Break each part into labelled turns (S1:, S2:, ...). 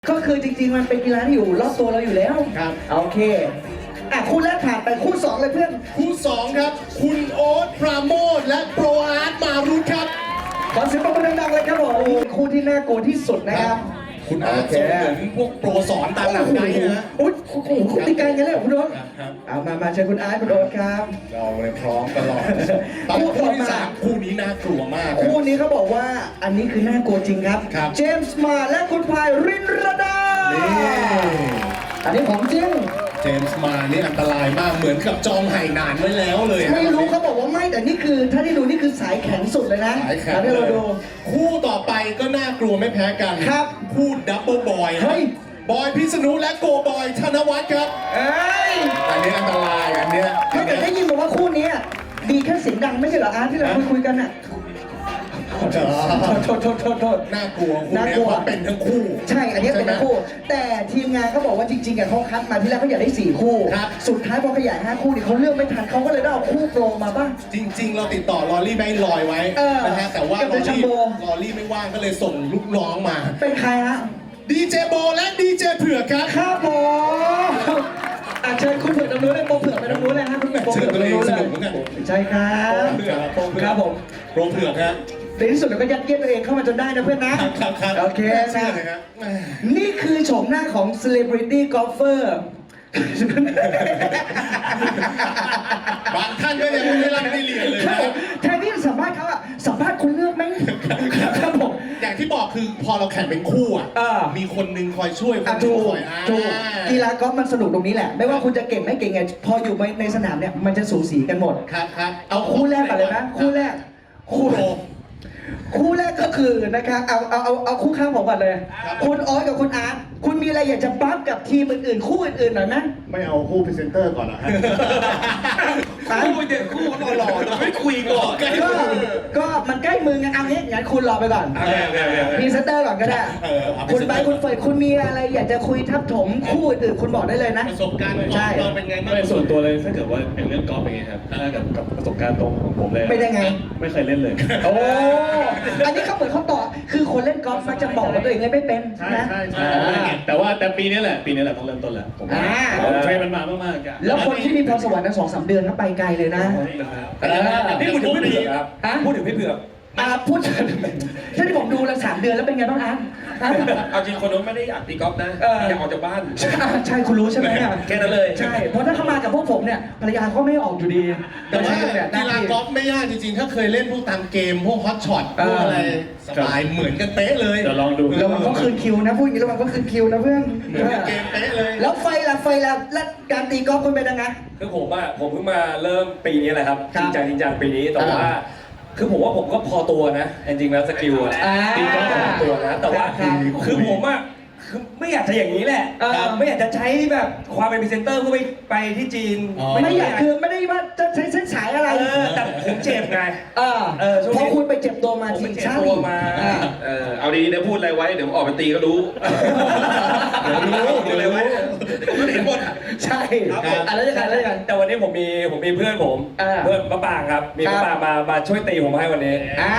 S1: ก็คือจริงๆมันเป็นกีฬาที่อยู่รอบตัวเราอยู่แล้วครับโอเคคู่แรกผ่านไปคู่2เลยเพื่อน
S2: คู่2ครับคุณโอ๊ตปราโมทและโปรอาร์ตมารุธครับ
S1: ขอเสียงปรบมือดังๆเลยครับผมคู่ที่น่ากลัวที่สุดนะครับ
S2: คุณอาร์ตส่งเหมือนพวกโปรสอนตามหนังไกด์นะ
S1: โอ้โหคุณตีไกลกันเลยคุณโอ๊ตเอามาเชิญคุณอาร์ตคุณโอ๊ตครับ
S2: เราเลยพร้อมตลอดคู่ที่3คู่นี้น่ากลัวมาก
S1: คู่นี้เขาบอกว่าอันนี้คือน่ากลัวจริงครับเจมส์มาและคุณพายรินรดาอันนี้ของจริง
S2: เจมส์มานี่อันตรายมากเหมือนกับจองไหหนานไว้แล้วเลย
S1: ไม่รู้เขาบอกว่าไม่แต่นี่คือถ้าได้ดูนี่คือสายแข็งสุดเลยนะ
S2: สายแข็งที่เราดูคู่ต่อไปก็น่ากลัวไม่แพ้กัน
S1: ครับ
S2: คู่ดับเบิลบอยบอยพิษณุและโกบอยธนวัฒน์ครับอันนี้อันตรายอันนี้
S1: ถ้าเกิดได้ยินบอกว่าคู่นี้ดีแค่เสียงดังไม่ใช่เหรออาร์ตที่เราคุยกันอ่ะโทษ
S2: น่ากลัวเป็นทั้งคู่
S1: ใช่อันนี้เป็นทั้งคู่แต่ทีมงานเขาบอกว่าจริงๆเขาคัดมาที่แรกเขาอยากได้4คู่สุดท้ายพอขยาย5คู่นี่เขาเลือกไม่ทันเขาก็เลยได้เอาคู่โปรมาบ้าง
S2: จริงๆเราติดต่อลอรี่ไม่ลอยไว้นะฮะแต่ว่าลอรี่ไม่ว่างก็เลยส่งลูกน้องมา
S1: เป็นใครฮะ
S2: ดีเจโบและดีเจเผือกครับ
S1: ครับผมเชิญคุณเผือกตรงนู้นเลยโปรเผือกไปตรงนู้นเลยฮะคุณโปรเผือกตรงนู้นเลยใช่ครับครับผม
S2: โปรเผือกครับ
S1: ในที่สุดเราก็ยัดเยียดตัวเองเข้ามาจนได้นะเพื่อนนะโอเคนะนี่คือโฉมหน้าของ celebrity golfer
S2: บางท่านก็ยังไม่ได้รับได้เรียนเลยนะ
S1: แทนที่จะสัมภาษณ์เขาสัมภาษณ์คุณเลือกไหมครับผม
S2: อย่างที่บอกคือพอเราแข่งเป็นคู่มีคนนึงคอยช่วยคนนึงคอย
S1: กีฬากอล์ฟมันสนุกตรงนี้แหละไม่ว่าคุณจะเก่งไม่เก่งไงพออยู่ในสนามเนี่ยมันจะสูสีกันหมด
S2: ครับ
S1: เอาคู่แรกก่อนเลยนะคู่แรกคู่แรกก็คือนะครับเอาคู่ข้างผมก่อนเลยคุณออสกับคุณอาร์ตคุณมีอะไรอยากจะบัฟกับทีมอื่นๆคู่อื่นๆหน่อยไหม
S3: ไม่เอาคู่พรีเซนเตอร์ก่อนเหรอฮะ
S2: คู่เด็กคู่หล่อๆเราไม่คุยก่อน
S1: ก็มันใกล้มือไงเอางี้งั้นคุณรอไปก่อนพรีเซนเตอร์ก่อนก็ได้คุณไปคุณเฟยคุณมีอะไรอยากจะคุยทับถมคู่อื่นคุณบอกได้เลยนะ
S2: ประสบการณ์ของเราเป็นไงบ้าง
S4: ส่วนตัวเลยถ้าเกิดว่าเป็นเรื่องกอล์ฟเป็นไงครับถ้ากับประสบการณ์ตรงของผมเลย
S1: ไม่ได้ไง
S4: ไม่เคยเล่นเลย
S1: โอ้อันนี้เขาเหมือนเขาต่อคือคนเล่นกอล์ฟมักจะบอกว่าตัวเองเล่นไม่เป็นนะ
S4: แต่ปีนี้แหละต้องเริ่มต้นแหละผมเทรนมันมามากๆ
S1: แล้วคนที่มีพรสวรรค์ทั้ง2-3 เดือนก็ไปไกลเลยนะ
S4: นี่พูดถึงพี่เผือกพูดถึงพี่เผือก
S1: พูดถ้าที่ผมดูแล้ว3 เดือนแล้วเป็นไงบ้างอาร์ต
S4: เอาจริงคนนู้นไม่ได้อยากตีกอล์ฟนะอยากออกจากบ้าน
S1: ใช่คุณรู้ใช่ไหม
S4: แค่นั้นเลย
S1: ใช่เพราะถ้าเขามากับพวกผมเนี่ยภรรยาก็ไม่ออกอยู่ดี
S2: แต่ว่ากีฬากอล์ฟไม่ยากจริงๆถ้าเคยเล่นพวกตามเกมพวกฮอตช็อตพวกอะไรสบายเหมือนกันเป๊ะเลย
S4: เดี๋ยวลองดู
S1: แล้วมันก็คืนคิวนะพูดอย่างนี้แล้วมันก็คืนคิวนะเพื่อน
S2: เหมือนเกมเป๊ะเลย
S1: แล้วไฟแล้วการตีกอล์ฟคุณเป็นยังไง
S4: คือผมเพิ่งมาเริ่มปีนี้แหละครับจริงจังปีนี้แต่ว่าคือผมว่าผมก็พอตัวนะจริงๆแล้วสกิลตีกอล์ฟพอตัวนะแต่ว่าคือผมคือไม่อยากจะอย่างนี้แหละไม่อยากจะใช้แบบความเป็นพรีเซนเตอร์เพื่อไปที่จีน
S1: ไม่อยากคือไม่ได้ว่าจะใช้เส้นสายอะไร
S4: แต่ผมเจ็บไง
S1: เพราะคุณไปเจ็บตัวมาทีชาติ
S4: เอาดีๆเดี๋ยวพูดอะไรไว้เดี๋ยวออกไปตีก็รู้อะไรไว้ก็เห็นหมด
S1: ใช่อะไรกัน
S4: แต่วันนี้ผมมีเพื่อนผมเพื่อนมะปางครับมีมะปางมาช่วยตีผมให้วันนี้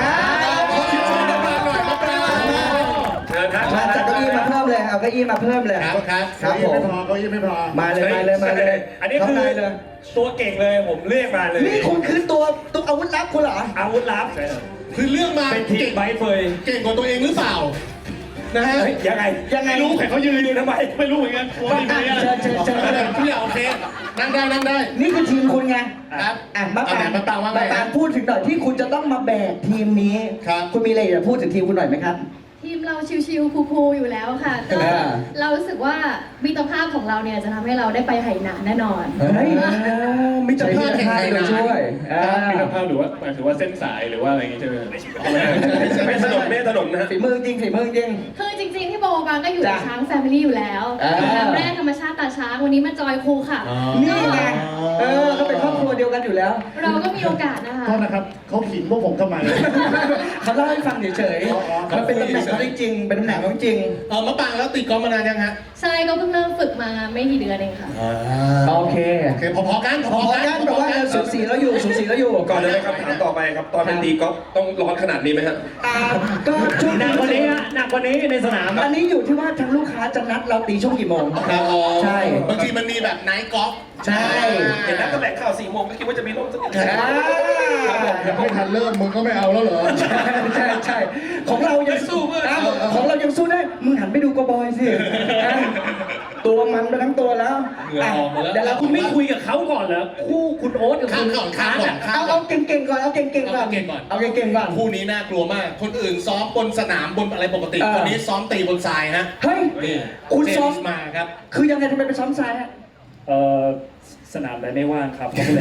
S1: จัดเก้าอี้มาเพิ่มเลยเอาเก้าอี้มาเพิ่มเลย
S3: ครับผมเก้าอี้ไม่พอ
S1: มาเลย
S4: อันนี้คือตัวเก่งเลยผมเรียกมาเลย
S1: นี่คุณคือตัวอาวุธลับคุณเหรอ
S4: อาวุธลับ
S2: คือเรื่องมา
S4: เป็นทีมไบเฟย
S2: เก่งกว่าตัวเองหรือเปล่านะฮะ
S4: ยังไงรู้แต่เขายืนทำไมไม่รู้เหมือนกัน
S1: เชิญ
S2: ผู้ใหญ่โอเคนั่งได้
S1: นี่คือทีมคุณไงครับมาปางพูดถึงหน่อยที่คุณจะต้องมาแบกทีมนี้คุณมีอะไรจะพูดถึงทีมคุณหน่อยไหมครับ
S5: ทีมเราชิวๆคูลๆอยู่แล้วค่ะก็เรารู้สึกว่ามิตรภาพของเราเนี่ยจะทำให้เราได้ไปไหหนานแน่นอน
S2: มิตรภาพแห่งไหหนาน
S1: ช่วย
S4: มิตรภาพหรือว่าหมายถึงว่าเส้นสายหรือว่าอะไรอย่างงี้ใช่ไหมไม่ถนนนะ
S1: ฝีมือจริง
S5: คือจริงๆที่โบบางก็อยู่ในช้างแฟมิลี่อยู่แล้วแรกธรรมชาติตาช้างวันนี้มาจอยครูค่ะ
S1: นี่ไงก็เป็นครอบครัวเดียวกันอยู่แล้ว
S5: เราก็มีโอกาสนะคะ
S3: โทษนะครับเขาขิงพวกผมทำไม
S1: เขาเล่าให้ฟังเฉยๆมันเป็นตำแหน่งเขาจริงเป็นตำแหน่งเขาจริง
S2: มะปางแล้วตีกอล์ฟมานานยังฮะ
S5: ใช่ก็เพิ่งเริ่มฝึกมาไม่กี่เดือนเองค่ะ
S1: โอเค
S2: พอกัน
S1: แต่ว่าสูสีแล้วอยู่
S4: ก่อนเลยคำถามต่อไปครับตอนเป็นตีกอล์ฟต้องร้อนขนาดนี้ไหมฮะ
S1: ก็ช่วงหนักกว่านี้ในสนามอันนี้นี้อยู่ที่ว่าทางลูกค้าจะนัดเราตีช่วงกี่โมง
S2: ครับอ๋อ
S1: ใช่
S2: บางทีมันมีแบบไนท์กอล์ฟ
S1: ใช่
S4: เห็นนักแถลงข่าว4 โมงก็คิดว่าจะมีร่มสักนิด
S3: ยังไม่ทันเริ่มมึงก็ไม่เอาแล้วเหรอ
S1: ใช่ของเรายังสู้ของเรายังสู้ได้มึงหันไปดูกบอยสิตัวมันไปทั้งตัวแล้วเดี๋ยวเรา
S6: คุณไม่คุยกับเขาก่อนเหรอคู่คุณโอ๊ตกับ
S2: ข้า
S6: คุ
S2: ม
S6: ณ
S2: ก่อนข้ามก่อนข้ามก่
S1: เอา
S2: อน
S1: เก่งๆก่อนเอาเก่งๆก่อน
S2: เอาเก่งๆก่อน
S1: เอาเก่งๆก่อน
S2: คู่นี้น่ากลัวมาก คนอื่นซ้อมบนสนามบนอะไรปกติ คนนี้ซ้อมตีบนทรายฮะ
S1: เฮ้ย
S2: นี่
S1: คุณซ้อม
S2: เจส์มาครับ
S1: คือยังไงทำไมไปซ้อมทรายฮะ
S6: สนามใดไม่ว่างครับเขาก็เลย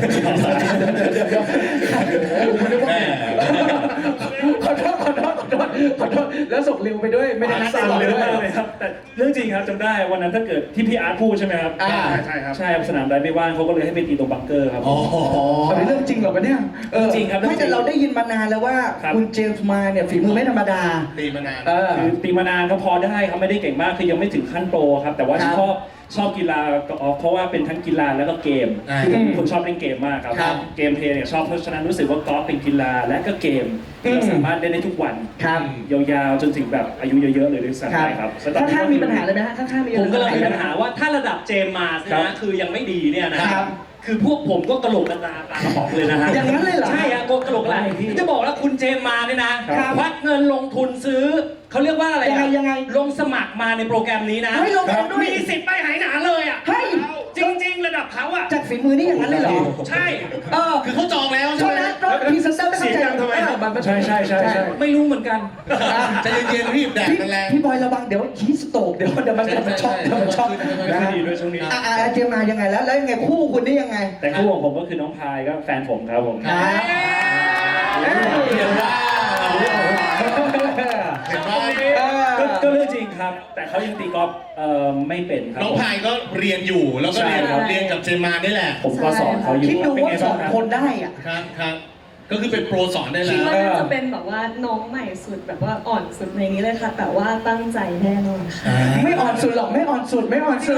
S2: แม่
S1: ขอโทษแล้วส่งริวไปด้วยไม่ได้นัด
S6: สั่น
S1: ต่อ
S6: เร็ว
S1: ด้วย
S6: มากเลยครับแต่เรื่องจริงครับจำได้วันนั้นถ้าเกิดที่พี่อาร์ตพูดใช่ไหมครับ
S3: ใช่ครับ
S6: ใช่ครับสนามใดไม่ว่างเขาก็เลยให้ไปตีตรงบังเกอร์ครับ
S2: อ๋อ
S1: อันนี้เรื่องจริงเหรอวะเนี่ย
S6: จริงครับ
S1: ไม่แต่เราได้ยินมานานแล้วว่า
S6: ครับ
S1: คุณเจมส์มาเนี่ยฝีมือไม่ธรรมดา
S2: ตีมานาน
S6: คือตีมานานก็พอได้ครับไม่ได้เก่งมากคือยังไม่ถึงขั้นโปรครับแต่ว่า
S1: ครับ
S6: ชอบกีฬากอล์ฟเพราะว่าเป็นทั้งกีฬาแล้วก็เกม
S2: อ่า
S6: คือผมเป็นคนชอบเล่นเกมมากครับ
S1: ครับ
S6: เกมเพลย์เนี่ยชอบเพราะฉะนั้นรู้สึกว่ากอล์ฟเป็นกีฬาและก็เกมที่เรา
S1: อืม
S6: สามารถเล่นได้ทุกวัน
S1: ครับ
S6: ยาวๆจนถึงแบบอายุเยอะๆเลยด้วยซ้ำไปครับ
S1: ข้างๆมีปัญหาเลยไหมฮะข้างๆมี
S7: ผมก็เลยมี
S1: ไห
S7: ปัญหาว่าถ้าระดับเจมส์มาส
S6: ครับ
S7: นะคือยังไม่ดีเนี่ยนะครับ คือพวกผมก็กระโหลกกระตาปลากระป๋องเลยนะฮะ
S1: อย่างนั้นเลยเหรอ
S7: ใช่ฮะกระโหลกกระตาจะบอกว่าคุณเจมส์มาเนี่ยนะครับ ควักเงินลงทุนซื้อเขาเรียกว่าอะไรอะ
S1: ยังไง
S7: ลงสมัครมาในโปรแกรมนี้นะ
S1: เฮ้ยลงเองด้วย
S7: มีสิทธิ์ไปหายหนาเลยอ่ะ
S1: เฮ้ย
S7: จริง ๆ ระดับเขาอ่ะ
S1: จากฝีมือนี่อย่างนั้นเลยเหรอ
S7: ใช่
S2: คือเขาจองแล้ว
S1: โท
S2: ใช่
S1: ษ
S2: ไหม
S1: นะรถพรีเซนเตอร์ไม่เข้าใจ
S6: เสียงดังทำไมครับ
S1: มัน
S6: ใช่
S7: ไม่รู้เหมือนกัน
S2: ใจเย็นๆรีบแดด
S1: พี่
S2: มันแรง
S1: พี่บอยระวังเดี๋ยวฮีสโตกเดี๋ยวมันช็อกเดี๋ยวมันช็อก
S6: ไม่ค่อยดีด้วยช่วงนี้
S1: เจมส์มายังไงแล้วยังไงคู่คุณนี่ยังไง
S6: แต่คู่ของผมก็คือน้องพายก็แฟนผมครับผม
S1: ครับ
S2: เห็นว่าเห็นว่า
S6: ก็เรื่องจริงครับ แต่เขายังตีกอล์ฟไม่เป็นครับ
S2: น้องพายก็เรียนอยู่แล้วก็เรียน
S6: ใช่ครับ
S2: เรียนกับเจมมานี่แหละ
S6: ผมก็สอนเขาอยู่
S1: คิดดู
S6: เป็น
S1: ว่า
S6: ไง
S1: ส
S6: บ้า
S1: อง ง
S6: ครับ
S1: คนได้อ่ะ
S2: ครับก็คือเป็นโปรสอนได้
S8: คิ
S2: แล้
S8: ด
S2: ว
S8: ว่าน่าจะเป็นแบบว่าน้องใหม่สุดแบบว่าอ่อนสุดในนี้เลยค่ะ แต่ว่าตั้งใจแน่นอนค่ะ
S1: ไม่อ่อนสุดหรอกไม่อ่อนสุด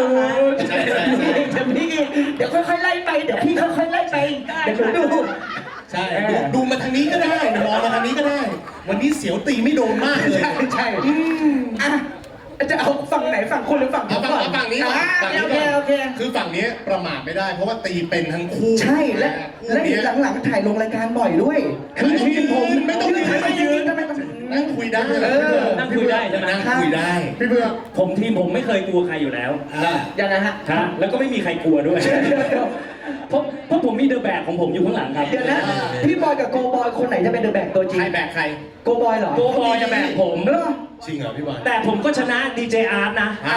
S1: จะพี่เดี๋ยวค่อยๆไล่ไปเดี๋ยวพี่ค่อยๆไล่ไปเดี๋ยวดู
S2: ใช่ดูมาทางนี้ก็ได้มองมาทางนี้ก็ได้ วันนี้เสียวตีไม่โดนมากเลย
S1: ใช่อ่ะจะเอาฝั่งไหนฝั่งคุณหรือฝั่งผมก่อน
S2: เอาฝั่งนี้ก่อนฝั่งนี้
S1: โอ
S2: ก่
S1: เค
S2: อน
S1: โอเค
S2: คือฝั่งนี้ประมาทไม่ได้เพราะว่าตีเป็นทั้งคู่
S1: ใช่และ
S2: คู่นี้
S1: หลังๆถ่ายลงรายการบ่อยด้วยคือทีมผม
S2: ไม่ต้องยืน
S1: ทำไม
S2: นั่งคุยได้
S7: นั่งคุยได้ใช่ไหม
S2: นั่งคุยได้
S3: พี่เบือก
S7: ทีมผมไม่เคยกลัวใครอยู่แล้ว
S1: ยังไงฮะ
S7: ฮะแล้วก็ไม่มีใครกลัวด้วย เพราะผมมีเดอะแบกของผมอยู่ข้างหลังครับ
S1: เดี๋ยวนะพี่บอยกับโกบอยคนไหนจะเป็นเดอะแบกตัวจริง
S2: ใครแบกใคร
S1: โกบอยเหรอ
S7: โกบอยจะแบกผม
S1: เหรอ
S2: จริงเหรอพี่บอล
S7: แต่ผมก็ชนะดีเจอาร์ตนะ
S2: อ้าว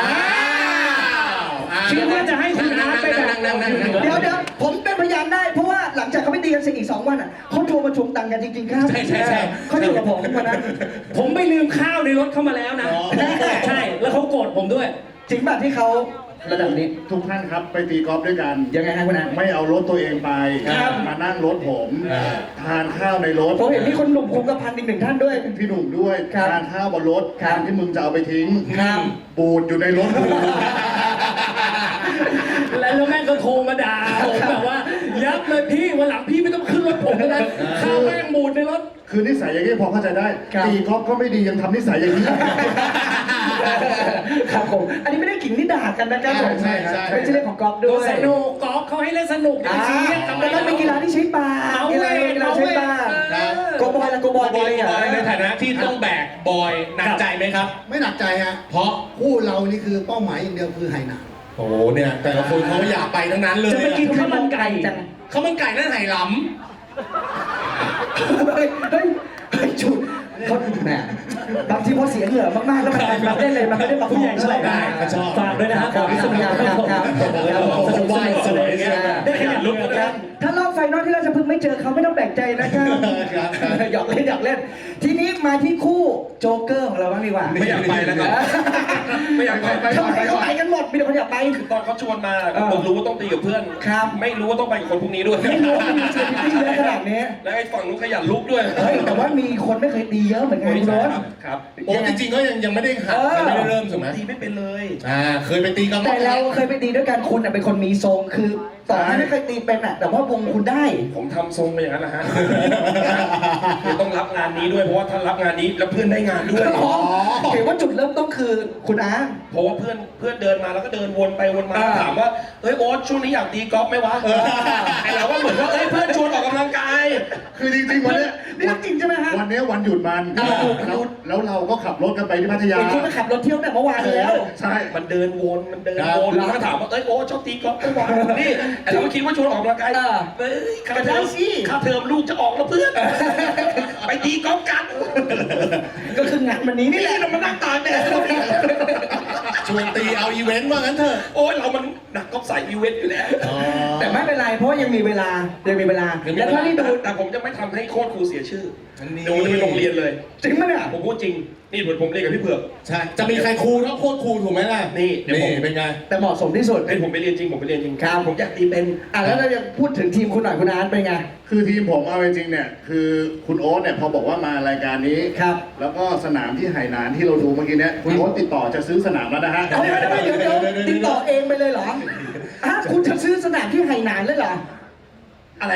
S7: คิดว่าจะให้คุณอาร์ตไปแบก
S2: นั่ง
S1: เดี๋ยวผมเป็นพยานได้เพราะว่าหลังจากเขาไปตีกันเสร็จอีก2 วันอ่ะเขาโทรมาทวงตังค์กันจริงๆครับ
S2: ใช่
S1: เขาอยู่กับผมวันนั้น
S7: ผมไปลืมข้าวในรถเข้ามาแล้วนะ ใช่ แล้วเขาโกรธผมด้วย
S1: จริงป่ะที่เขาระดับนี้
S3: ทุกท่านครับไปตีกอล์ฟด้วยกัน
S1: ยังไงฮะคุณอา
S3: ไม่เอารถตัวเองไป
S1: ครับ
S3: มานั่งรถผม ทานข้าวในรถ
S1: ผมเห็นมีคนหนุ่มคงกระพันอีก1 ท่านด้วย
S3: พี่หนุ่มด้วย
S1: ครับ
S3: ทานข้าวบนรถ
S1: ครับ
S3: ที่มึงจะเอาไปทิ้ง
S1: ครับ
S3: บูดอยู่ในรถกู
S7: แล้วแม่งก็โทรมาด่าผมแบบว่า ยับเลยพี่วันหลังพี่ไม่ต้องขึ้นรถผมแล้วนะข้าวแม่งบูดในรถ
S3: คือนิสัยอย่างนี้พอเข้าใจได้
S1: ครับ
S3: ตีกอล์ฟก็ไม่ดียังทำนิสัยอย่างนี้
S1: ครับผมอันนี้ไม่ได้ขิงนี่ด่ากันนะครับผม
S2: ใช่
S1: เป็นชื่อเล่นของกอล์ฟด้วย
S7: สนุกกอล์ฟเขาให้เล่นสนุกอย่า
S1: อ่า
S7: ไปซีเรียสทำไม
S1: แต่มันเป็นกีฬาที่ใช้ปาก
S7: เอา
S1: กี
S7: เว้
S1: ฬายกีฬาใช้ปาก
S2: ครับ
S1: โกบอยละโกบอยดีอ่ะ
S2: ในฐานะที่ต้องแบกบอยหนักใจไหมครับ
S9: ไม่หนักใจฮะ
S2: เพราะ
S9: คู่เรานี่คือเป้าหมายอย่างเดียวคือไหหนาน
S2: โอ้โหเนี่ยแต่ละคนเขาอยากไปทั้งนั้นเลย
S1: จะไปกินข้าวมันไก่จัง
S2: ข้าวมันไก่นั่นไหหล
S1: เฮ้ยจุดเขาแหมบางทีพอเสียเหงื่อมากๆแล้วมันรับได้เลยมันไม่ได้มาผู้ใหญ่
S2: ำได้เขาชอบ
S7: ฝากด้วยนะครับขอพิสูจน์
S2: สนุกสนุกอย่างเงี้ย
S7: ได้ขยันลุก
S1: ครับถ้ารอบไฟนอลที่เราจะพึ่งไม่เจอเขาไม่ต้องแปลกใจนะครับ
S2: ครับ
S1: หยอกเล่น ทีนี้มาที่คู่โจ๊กเกอร์ของเราบ้างดีกว่า
S4: ไม่อยากไปแล้วครับ ไม่อยากไป
S1: ทำไมเขาไปกันหมดมีแต่คนอยากไป
S4: ตอนเขาชวนมาผมรู้ว่าต้องตีกับเพื่อน
S1: ครับ
S4: ไม่รู้ว่าต้องไปกับคนพวกนี้ด้วย
S1: ไม่รู้ว่ามีเซอร์วิสเยอะขนาดนี้
S4: แล้วไอ้ฝั่งนู้นขยันลุกด้วย
S1: เฮ้ยแต่ว่ามีคนไม่เคยตีเยอะเหมือนกันคุณรถ
S4: ครับ
S2: โอ้จริงๆก็ยังไม่ได้หัดยังไม่ได้เริ่มถูกไหม
S4: ตีไม่เป็นเลย
S2: เคยไปตีกัน
S1: แต่เราเคยไปตีด้วยกันคุณเป็นคนมีทรงคือต่อให้ไม่เคยตีเป็นอ่ะแต่ว่าวงคุณได้
S4: ผมทำทรงไปอย่างนั้นนะฮะคือต้องรับงานนี้ด้วยเพราะว่าถ้ารับงานนี้แล้วเพื่อนได้งานด้วย
S1: อ๋อเห็นว่าจุดเริ่มต้นคือคุณอาร์ต
S4: เพราะว่าเพื่อนเดินมาแล้วก็เดินวนไปวนมาถามว่าเฮ้ยโอ๊ตช่วงนี้อยากตีกอล์ฟไหมวะไอเราก็เหมือนว่าเอ้ยเพื่อนชวนออกกำลังกาย
S3: คือจริงๆวันเนี้ย
S1: นี่เรื่องจริงใช่ไหมฮะ
S3: วันเนี้ยวันหยุดมันแล้วเราก็ขับรถกันไปที่พัทยา
S1: เห็นคุณไปขับรถเที่ยวแต่เมื่อวานแล้ว
S3: ใช่
S4: มันเดินวนแล้วก็ถามว่าเอ้ยโอ๊ตชอบตีกอล์ฟไหมวะนี่ไอเราก็คิดว่าชวนออกกำลังกายเฮ้ยค่าเทอมลูกจะออกแล้วเพื่อนไปตีกอล์ฟกัน
S1: ก็คืองานวันนี้นี่แหละ
S4: เรามานั่งตากแดด
S2: ชวนตีเอาอีเวนต์ว่างั้นเถอะ
S4: โอ้ยเรามันหนักก็ใส่อีเวนต์อยู่แล้ว
S1: แต่ไม่เป็นไรเพราะยังมีเวลาแล้วถ้าที่ดู
S4: แต่ผมจะไม่ทำให้โค้ชครูเสียชื่อเดี๋ยวมันจะเป็นโรงเรียนเลย
S1: จริงไหมเนี่ย
S4: ผมพูดจริงนี่เหมือนผมเรียนกับพี่เผือก
S2: ใช่ จะมีใครครูเท่าโคตรครูถูกไหมล่ะ
S4: นี่เดี๋ยวผม
S2: เป็นไง
S1: แต่เหมาะสมที่สุด
S4: เป็นผมไปเรียนจริงครับ ผมอยากตีเป็น
S1: แล้วเราจะพูดถึงทีมคุณหน่อยคุณอาร์ตเป็นไง
S3: คือทีมผมเอาจริงๆเนี่ยคือคุณโอ๊ตเนี่ยพอบอกว่ามารายการนี้
S1: ครับ
S3: แล้วก็สนามที่ไหหนานที่เราดูเมื่อกี้เนี่ยคุณโอ๊ตติดต่อจะซื้อสนามแล้วนะฮะ
S1: เอาเดี๋ยวติดต่อเองไปเลยเหรอคุณจะซื้อสนามที่ไหหนานเลยเหรอ
S4: อะไร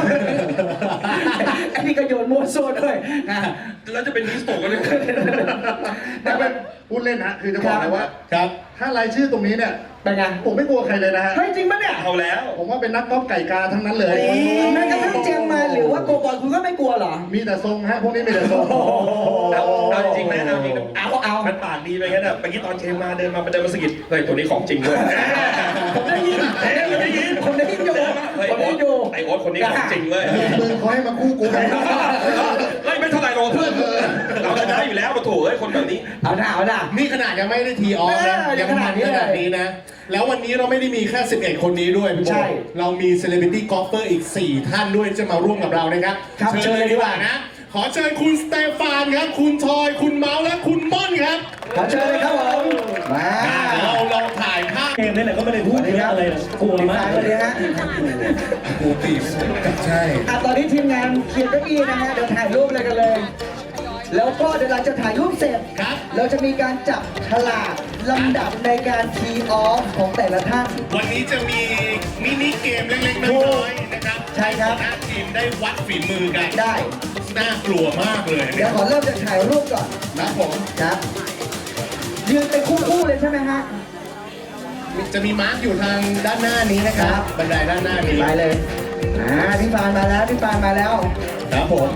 S1: อันนี้ก็โยนมั่วโซ่ด้วยอ่ะ
S4: แล้วจะเป็นฮิสโตกันเลย
S3: แต่เป็นพูดเล่นนะคือจะบอกเลยว่า
S2: ครับ
S3: ถ้ารายชื่อตรงนี้เนี่ย
S1: เป็นไง
S3: ผมไม่กลัวใครเลยนะฮะ
S1: เฮ้ยจริงปะเนี่ย
S4: เอาแล้ว
S3: ผมว่าเป็นนักกอล์ฟไก่กาทั้งนั้นเลย
S1: แม้กระทั่งเจมมาหรือว่าโกบอลคุณก็ไม่กลัวเหรอ
S3: มีแต่ทรงฮะพวกนี้มีแต่ทรง
S4: เอาจริงไหมเอาจริงเอามันปากดีไปงั้นอ่ะเมื่อกี้ตอนเชมมาเดินมาสะกิดเฮ้ยตัวนี้ของจริงด้วย
S1: ผมได้ยินอยู่
S4: เฮ้ย
S1: ผมได้ยินอยู่
S4: ไอโอ๊ตคนนี้ของจริงเลย
S3: มึงเขาให้มาคู่กูไป
S4: เฮ้ยไม่เท่าไหร่หรอกเพื่อนเราจะได้อยู่แล้วมาถูกเฮ้ยคนแบบนี้
S1: เอาหน้า
S2: นี่ขนาดยังไม่ได้ทีออฟนะ
S1: ยังขนาดนี้
S2: ขนาดนี้นะ แล้ววันนี้เราไม่ได้มีแค่ 11 คนนี้ด้วยพี่โบ
S1: ใช่
S2: เรามีเซเลบริตี้กอล์ฟเฟอร์อีก 4 ท่านด้วยที่จะมาร่วมกับเรานะครับ
S1: ครับ
S2: เชิญเลยดีกว่านะ ขอเชิญคุณสเตฟานครับ คุณทอย คุณเมาส์และคุณม่อนครับ
S1: ขอเชิญเลยครับผมมา
S2: เราถ่ายภาพ
S6: เกมนี่แหละก็ไม่ได้พูดเยอะอะไรหรอกกลัวมาก
S1: สวัสดีฮะ
S2: ปูตีใช่
S1: ตอนนี้ทีมงานเคลียร์เก้าอี้นะฮะเดี๋ยวถ่ายรูปอะไรกันเลย แล้วก็เดี๋ยวหลังจากถ่ายรูปเสร็จ
S2: ครับ
S1: เราจะมีการจับฉลากลำดับในการทีออฟของแต่ละท่าน
S2: วันนี้จะมีมินิเกมเล็กๆน้อยๆนะครับ
S1: ใช่ครับ
S2: หน้าทีมได้วัดฝีมือกัน
S1: ได้
S2: น่ากลัวมากเลย
S1: เดี๋ยวขอเริ่มจากถ่ายรูปก่อน
S2: ครับผม
S1: ครับยืนเป็นคู่ๆเลยใช่ไหมฮะ
S2: จะมีมาร์กอยู่ทางด้านหน้านี้นะครับ
S1: ครับ
S2: บันไดด้านหน้านี้
S1: ไปเลยพี่ฟานมาแล้วพี่ฟานมาแล้ว
S2: ครับผม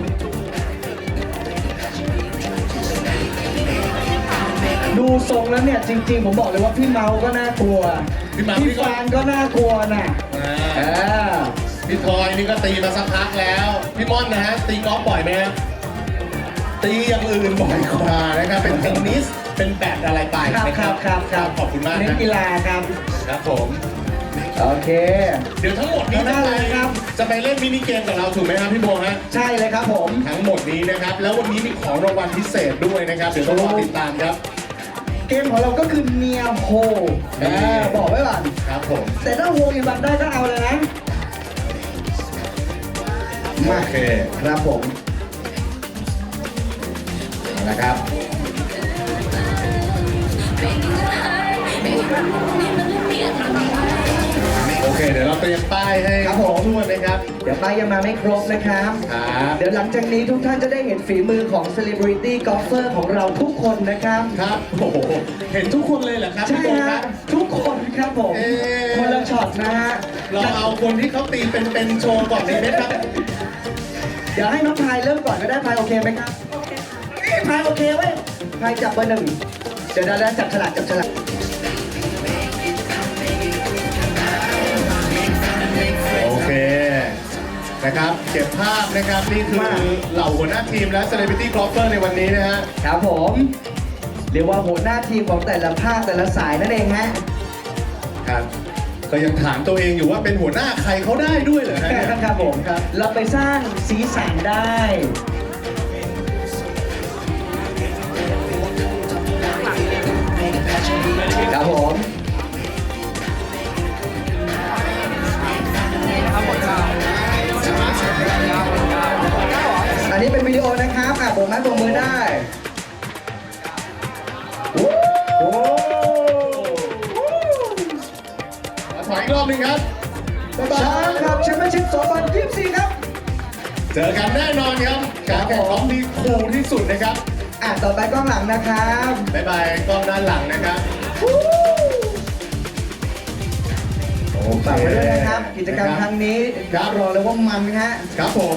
S1: ดูทรงแล้วเนี่ยจริงๆ ผมบอกเลยว่าพี่เมาก็น่ากลัว พี่ฟานก็น่ากลัวน่ะ
S2: อ่าพี่ทอยนี่ก็ตีมาสักพักแล้ว พี่ม่อนนะฮะตีกอล์ฟบ่อยไหมฮะตีอย่างอื่นบ่อยกว่านะครับ เป็นเทนนิส เป็นแบดอะไรไป
S1: ครับ
S2: นะ
S1: ครับ
S2: ขอบคุณมาก
S1: เล่น
S2: นะ
S1: กีฬาครับ
S2: ครับผม
S1: โอเค
S2: เดี๋ยวทั้งหมดนี้
S1: ได้เลยครับ
S2: จะไปเล่นมินิเกมกับเราถูกไหมครับพี่โบฮะ
S1: ใช่เลยครับผม
S2: ทั้งหมดนี้นะครับ แล้ววันนี้มีของรางวัลพิเศษด้วยนะครับ เดี๋ยวต้องรอติดตามครับ
S1: เกมของเราก็คือเนียโฮบอกไว้ก่อน
S2: ครับผม
S1: แต่ถ้าโฮอีบันได้ก็เอาเลยนะมา
S2: โอเค
S1: ครับผมนะครับ
S2: โอเค เดี๋ยวเราเตรียมป้ายให้
S1: ครับผม
S2: ทุกคนนะครับ
S1: เดี๋ยวป้ายยังมาไม่ครบนะครับ
S2: ครับ
S1: เดี๋ยวหลังจากนี้ทุกท่านจะได้เห็นฝีมือของ Celebrity Golfer ของเราทุกคนนะครับ
S2: ครับ โอ้โห เห็นทุกคนเลยเหรอครับ
S1: ใช่
S2: พี่โบค
S1: ฮะ
S2: รับ
S1: ทุกคนครับผม
S2: เอ๊ะ
S1: คนละช็อตนะฮะ
S2: เราเอาคนที่เขาตีเป็นโชว์ก่อนเลยไหมครับ
S1: เดี๋ยวให้น้องพายเริ่มก่อนก็ได้พายโอเคไหมครับพายโอเคเว้ยพายจับเบอร์หนึ่งเดี๋ยวได้จับฉลากจับฉลาก
S2: โอเค นะครับ เก็บภาพนะครับ นี่คือเหล่าหัวหน้าทีมและ Celebrity Golfer ในวันนี้นะฮะ
S1: ครับผมเรียกว่าหัวหน้าทีมของแต่ละภาคแต่ละสายนั่นเองฮะ
S2: ครับ ก็ยังถามตัวเองอยู่ว่าเป็นหัวหน้าใครเขาได้ด้วยเหรอฮะเนี่ย
S1: ครับผมครับเราไปสร้างสีสันได้ครับผมอันนี้เป็นวิดีโอนะครับโบกไม้โบกมือได้โอ้โห
S2: ขอถอยอีกรอบหนึงครับ
S1: โ
S2: บ๊ายบา
S1: ช้าง
S2: ย
S1: ครับแชมเปี้ยนชิพ2024ครับ
S2: เจอกันแน่นอนครับการแข่งขันที่คูลที่สุดนะครับ
S1: ต่อไปกล้องหลังนะครับ
S2: บ๊ายบายกล้องด้านหลังนะครับ
S1: ฝากไว้ด้วยนะครับ กิจกรรมครั้งนี้
S2: ครับ
S1: รอเลยว่ามันฮะ
S2: ครับผม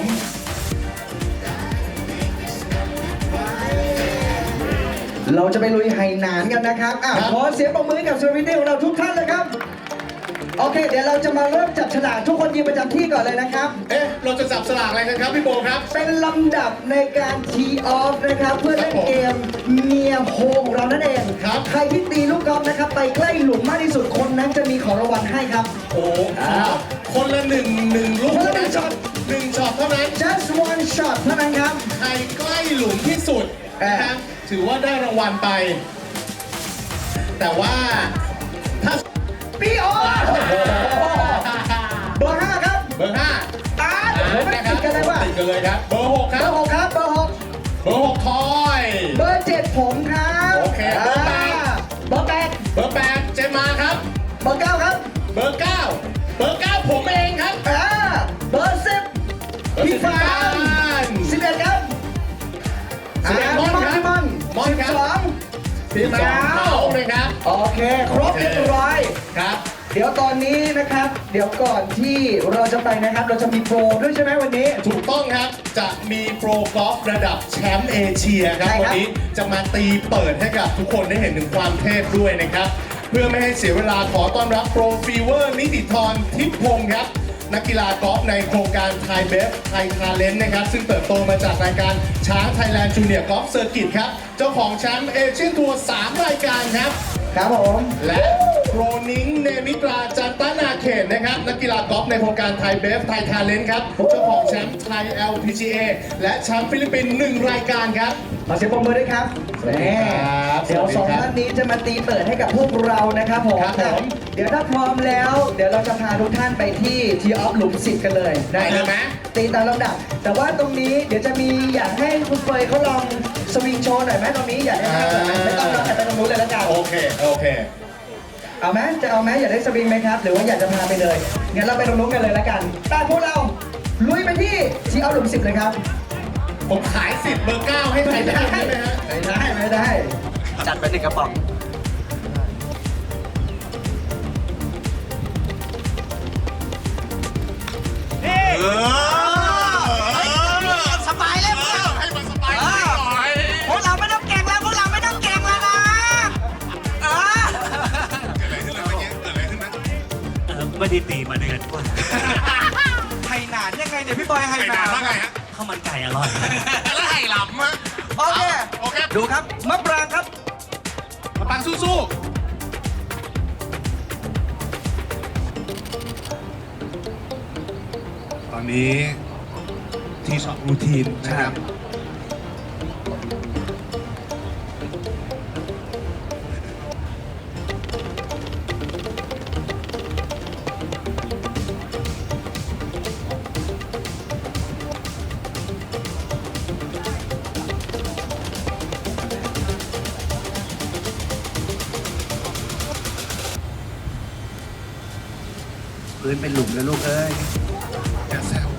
S1: เราจะไปลุยไหหนานกันนะครับขอเสียงปรบมือให้กับเซอร์วิสของเราทุกท่านเลยครับ โอเค เดี๋ยวเราจะมาเริ่มจับฉลากทุกคนยืนประจำที่ก่อนเลยนะครับ
S2: เอ๊ะ เราจะจับสลากอะไรกันครับพี่โบครับ
S1: เป็นลำดับในการทีออฟนะครับ เพื่อเล่นเกมเมียโฮงของเรานั่นเอง
S2: ครับ
S1: ใครที่ตีลูกกอล์ฟนะครับ ไปใกล้หลุมมากที่สุดคนนั้นจะมีของรางวัลให้ครับ
S2: โอ้ครับคนละหนึ่งลูก
S1: คนละหนึ่งช็อต
S2: หนึ่งช็อตเท่านั้น
S1: just one shot เท่านั้นครับ
S2: ใครใกล้หลุมที่สุดนะครับถือว่าได้รางวัลไป แต่ว่าถ้า
S1: พี่โอเบอร์ 5 ครับ
S2: เบอร์ 5
S1: ไม่ติดกันเลยว่ะ
S2: ติดกันเลยครับ เบอร์ 6 ค
S1: เบ
S2: รั
S1: อบ ร์ 6 ครับ เบอร์
S2: เบอร์ 6 ทอย
S1: 6 เบอร์ 7 ผมครับ
S2: โอเคเบอร์
S1: เบอร์
S2: เบอร์ 8 เจมมาครับ
S1: 8 เบอร์ 9 ครับ
S2: เบอร์ 9 เบอร์ 9 ผมเองครับ
S1: เบอร์ 10 พี่ฟาน 11 ครับ
S2: 11ม่อนครับ
S1: พี่ม่อน
S2: ม่อนครับ
S1: 12
S2: พี่เมาส์นะครับ
S1: โอเค ครบเรียบร้อย
S2: ครับ
S1: เดี๋ยวตอนนี้นะครับ เดี๋ยวก่อนที่เราจะไปนะครับ เราจะมีโปรด้วยใช่ไหมวันนี้
S2: ถูกต้องครับ จะมีโปรกอล์ฟระดับแชมป์เอเชียครับ
S1: ใช่ครับ
S2: วันนี้จะมาตีเปิดให้กับทุกคนได้เห็นถึงความเทพด้วยนะครับ เพื่อไม่ให้เสียเวลาขอต้อนรับโปรฟีเวอร์นิติธรทิพย์พงศ์ครับ นักกีฬากอล์ฟในโครงการไทยเบฟไทยทาเลนต์นะครับ ซึ่งเติบโตมาจากรายการช้างไทยแลนด์จูเนียร์กอล์ฟเซอร์กิตครับ เจ้าของแชมป์เอเชียนทัวร์3รายการครับ
S1: ครับผม
S2: และโปรนิงเนมิตราจันตนาเขตนะครับ นักกีฬากอล์ฟในโครงการไทยเบฟไทยทาเลนต์ครับ เจ้าของแชมป์ไทย LPGA และแชมป์ฟิลิปปินส์1รายการครับ
S1: ขอเสียงปรบมือด้วยครับ
S2: สวัสดีครับ
S1: เดี๋ยว
S2: สวัสดี
S1: 2
S2: ครับ
S1: ท่านนี้จะมาตีเปิดให้กับพวกเรานะครับผม
S2: ครับผม
S1: เดี๋ยวถ้าพร้อมแล้ว เดี๋ยวเราจะพาทุกท่านไปที่ทีออฟหลุม10 กันเลย
S2: ได้เลยไหม
S1: ตีตามลำดับ แต่ว่าตรงนี้เดี๋ยวจะมีอยากให้คุณเฟยเขาลองสวิงโชว์หน่อยไหมตรงนี้อยากได้ไหมไม่ต้องเราแต่ไปตรงนู้นเลยแล้วกัน
S2: โอเค โอเค
S1: เอาไหมจะเอาไหมอยากได้สวิงไหมครับ หรือว่าอยากจะพาไปเลยงั้นเราไปตรงนู้นกันเลยแล้วกันตามพวกเราลุยไปที่ทีออฟหลุม10เลยครับ
S2: ผมขายสิทธิ์เบอร์ 9 ให้ใครได้ไหมฮะ
S1: ไม่ได้ จัดไป1 กระป๋อง
S10: สบายเลยพวกเรา
S2: ให้มันสบายหน่อย
S10: พวกเราไม่ต้องเก่งแล้วพวกเราไม่ต้องเก่งแล้วนะเออ
S6: ไม่ได้ตีมาเดือนกว่า
S10: ไห่หนานยังไงเนี่ยพี่บอยไห่หนาน
S2: ว่าไงฮะ
S6: ข้าวมันไก่อร่อย
S2: แล้วไห่หลำฮะ
S10: โอเค
S2: โอเค
S10: ดูครับมะปรางครับ
S2: มาปังสู้ๆ ตอนนี้ที่ช็อปรูทีนนะครับ
S10: พื้นเป็นหลุมแล้วลูกเอ้ย
S2: อย่าแซว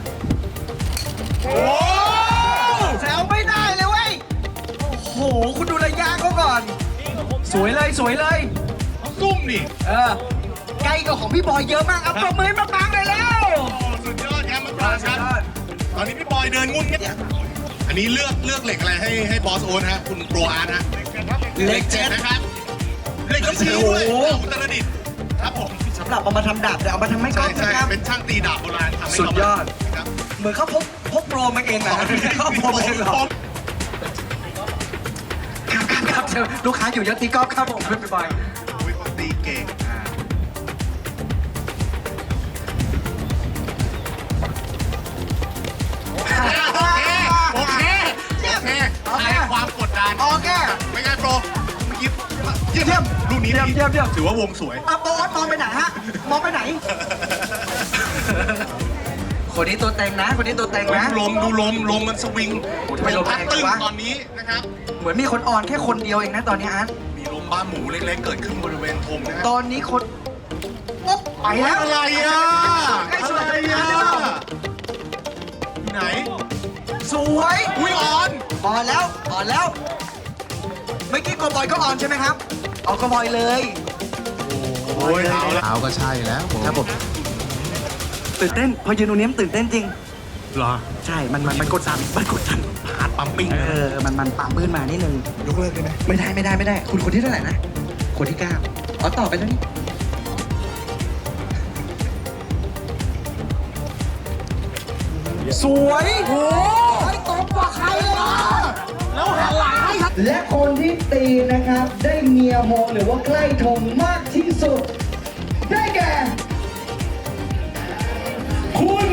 S10: แซวไม่ได้เลยเว้ย โอ้โห คุณดูระยะเขาก่อน สวยเลยสวยเลย
S2: เขาซุ่มนี่
S10: ไกลกว่าของพี่บอยเยอะมากเอาปรบมือให้มะปรางเลยแล้ว
S2: โอ้สุดยอดครับมาปรางครับตอนนี้พี่บอยเดินงุ่นเงี้ยอันนี้เลือกเหล็กอะไรให้บอสโอนฮะคุณโปรอาร์ตฮะเหล็ก7นะครับเหล็กชี้ด้วยอุตรดิตถ์ครับผม
S10: สำหรับเอามาทำดาบแต่เอามาทำไม่ก้
S2: ใช่
S10: อน
S2: ใช่
S10: นะครับ
S2: เป็นช่างตีดาบโบราณทำให้
S10: สุดยอด
S2: ครับ
S10: เหมือนเขาพกโปรมาเองเหรอเขาพกมาเองเหรอครับลูกค้าอยู่เยอะตีกอล์ฟครับผมพี่บอย
S2: วิคนตีเก่งโอเคคลายความกดดัน
S10: โอเค
S2: ไม่งั้นโปรเมื่อกี้เยี่ยมลูกนี้
S10: เยี่ยม
S2: ถือว่าวงสวย
S10: อ่ะโบอสมองไปไหนฮะ มองไปไหน คนนี้ตัวเต็งนะ คนนี้ตัวเต็งนะ
S2: ดูลมมันสวิง
S10: ทำไมลม
S2: พัดตึ้ง
S10: แรงจังวะ
S2: ตอนนี้นะครับ
S10: เหมือนมีคนอ่อนแค่คนเดียวเองนะตอนนี้อาร์ต
S2: มีลมบ้าหมูเล็กๆ เกิดขึ้นบริเวณธงนะฮะ
S10: ตอนนี้คนปุ๊บไปแล้ว
S2: อะไรอ่ะ
S10: ใกล้
S2: อะ
S10: สุด
S2: ไร
S10: แล้ว
S2: อ่ะอยู่ไหน
S10: สวย
S2: อุ้ยออน
S10: อ่อนแล้วอ่อนแล้วเมื่อกี้โกบอยก็อ่อนใช่ไหมครับเอาโกบอยเลย
S2: โอ้ยเอาแล้วเอาก็ใช่แล้ว
S10: ครับผมตื่นเต้นพอยืนตรงนี้มันตื่นเต้นจริง
S2: เหรอ
S10: ใช่มันกดดัน
S2: ฮาร์ดปั๊มปิ้ง
S10: มันปามปื้นมานิดนึงยกเลิกได้ไหมไม่ได้คุณคนที่เท่าไหร่นะคนที่9อ๋อต่อไปแล้วนี่สวยโอ้ยตบกว่าใครเลยอ่ะแล้วหันหลังให้ครับ
S1: และคนที่ตีนะครับ ได้เมียโมหรือว่าใกล้ธงมากที่สุด ได้แก่
S2: คุณ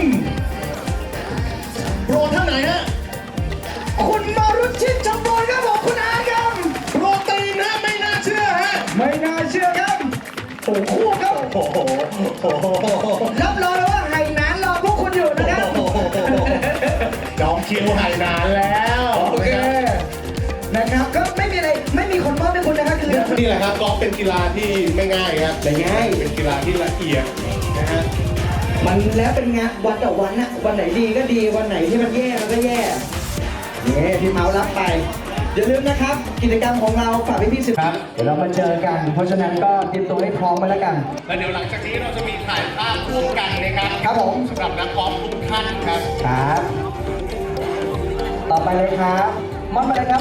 S2: โปรท่านไหนฮะ
S1: คุณมารุชิตชมบลครับผมคุณอาครับ
S2: โปรตีนนะไม่น่าเชื่อฮะ
S1: ไม่น่าเชื่อครับโอ้โหครับ
S2: โอ้โห
S1: รับรองเลยว่าไหหนานรอพวกคุณอยู่นะครับ
S2: จองคิวหายนานแล้ว
S1: โอเคนะครับก็ไม่มีอะไรไม่มีคนมอบให้คุณนะครับคือ
S2: นี่แหละครับกอล์ฟเป็นกีฬาที่ไม่ง่ายครับ
S1: ไม่ง่าย
S2: เป็นกีฬาที่ละเอียดนะฮะ
S1: มันแล้วเป็นงานวันต่อวันนะวันไหนดีก็ดีวันไหนที่มันแย่มันก็แย่นี่พี่เมาส์รับไปอย่าลืมนะครับ กิจกรรมของเราฝากพี่ๆสื่อ
S2: ครับ
S1: เดี๋ยวเรามาเจอกัน เพราะฉะนั้นก็เตรียมตัวให้พร้อมมาแล้วกัน
S2: แล้วเดี๋ยวหลังจากนี้เราจะมีถ่ายภาพร่วมกันนะครับ
S1: ครับผม
S2: สำหรับนักกอล์ฟทุกท่านครับ
S1: ครับ ต่อไปเลยครับมอบมาเลยครับ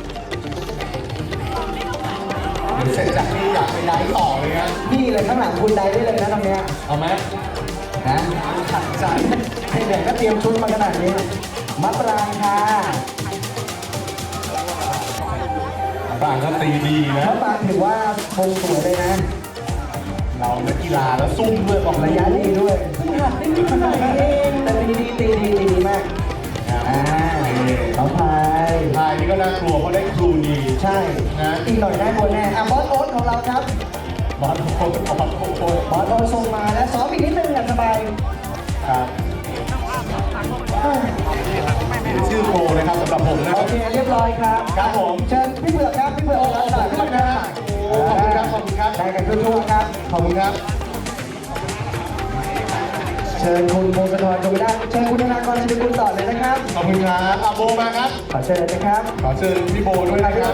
S2: เดี๋ยวเสร็จจากนี้อยากไปไลฟ์ต่อเลยครับ
S1: นี่เลยข้างหลังคุณได้ได้เลยนะตรงเนี้ย
S2: เอาไหม
S1: นะขัดใจให้เด็กก็เตรียมชุดมาขนาดนี้มะปรางค่ะ
S2: บางก็ตีดีนะ
S1: มะปรางถือว่าคงสวยเลยนะ
S2: เรานักกีฬาแล้วซุ่มด้วยบอก
S1: ระยะดีด้วยเพิ่งหัดได้นิดหน่อยเองแต่ตีดีมากน้องพาย
S2: ทายนี่ก็น่ากลัวเพราะได้ครูดี
S1: ใช่
S2: นะ
S1: อีกหน่อยได้บนแน่บอสโอ๊ตของเราครับ
S2: บอลโค้ชบอลโค้ช
S1: บอสโอ๊ตส่งมาแล้วซ้อมอีกนิดนึงสบาย
S2: ครับชื่อโปรนะครับสำหรับผมนะค
S1: โอ
S2: รับ
S1: เคเรียบร้อยครับ
S2: ครับผม
S1: เชิญพี่เผือกครับพี่เผือกรักษาขึ้นมาครับ
S2: ขอบคุณครับขอบคุณครับ
S1: ได้กันทั่วๆครับ
S2: ขอบคุณครับ
S1: เชิญคุณพงศธรจงได้เชิญคุณธนากรชินกุลต่อเลยนะครับ
S2: ขอบคุณครับอาโบมาครับ
S1: ขอเชิญเลยนะครับ
S2: ขอเชิญพี่โบด้วยนะครับ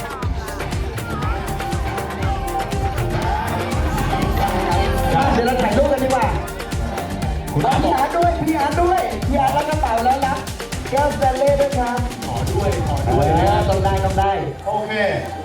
S1: เดี๋ยวเราถ่ายรูปกันดีกว่าพี่อาร์ตด้วยพี่อาร์ตด้วยพี่อาร์ตรับกระเป๋าแล้วรับแก้วสแตนเล่ด้วยครับ
S2: ขอด้วย
S1: ต้องได้
S2: โอเค